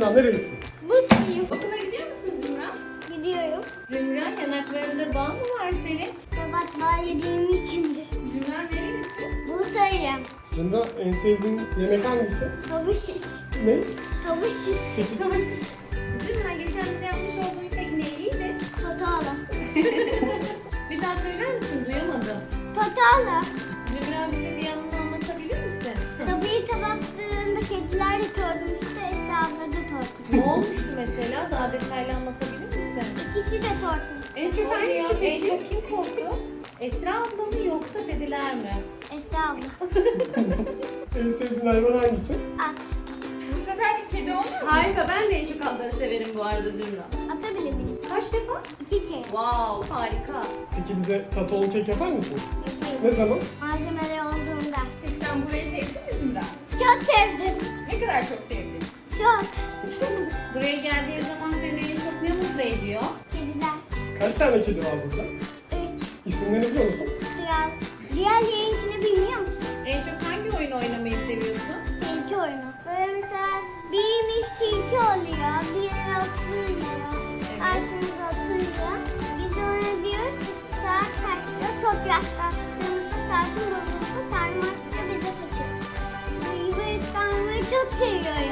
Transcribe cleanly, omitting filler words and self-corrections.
Zümra nerelisin? Bursa'yım. Okula gidiyor musun Zümra? Gidiyorum. Zümra, yanaklarında bağ mı var senin? Sabah bal yediğim içindir. Zümra nerelisin? Bursa'yım. Zümra en sevdiğin yemek hangisi? Tavuk şiş. Ne? Tavuk şiş. Peki tavuk. Zümra, geçen bize yapmış olduğun tek neydi? Tatala. Bir daha söyler misin? Duyamadım. Tatala. Zümra, bize bir yanını anlatabilir misin? Tabii kapattığında kediler de tortmuştu. Esra abla da tortmuş. Ne olmuştu mesela? Daha detaylı anlatabilir misin? İkisi de tortmuş. En çok hangisi peki? En çok kim korktu? Esra abla mı yoksa dediler mi? Esra abla. En sevdiğin hayvan hangisi? At. Bu sefer bir kedi olmuyor mu? Harika, ben de en çok atları severim bu arada Zümra. Atabilir miyim? Kaç defa? 2 kere. Wow, harika. Peki bize kakaolu kek yapar mısın? Yapıyorum. Ne zaman? Malzemeleri olduğunda. Peki sen burayı sevdin mi Zümra? Çok sevdim. Ne kadar çok sevdin? Çok. Buraya geldiğin zaman seni en çok ne mutlu ediyor? Kediler. Kaç tane kedi var burada? 3. İsimlerini biliyor musun? Kral. Diğerlerinkini bilmiyorum. En çok hangi oyun oynamayı seviyorsun? Tilki oyunu. Böyle mesela birimiz tilki oluyor. Diğeri oturuyor. Karşımıza oturuyor. Biz de ona diyoruz ki saat kaçta çok yaklaştığımızda saatin bozuldu. Tanrı açınca bize kaçır. Bu İstanbul'u çok seviyorum.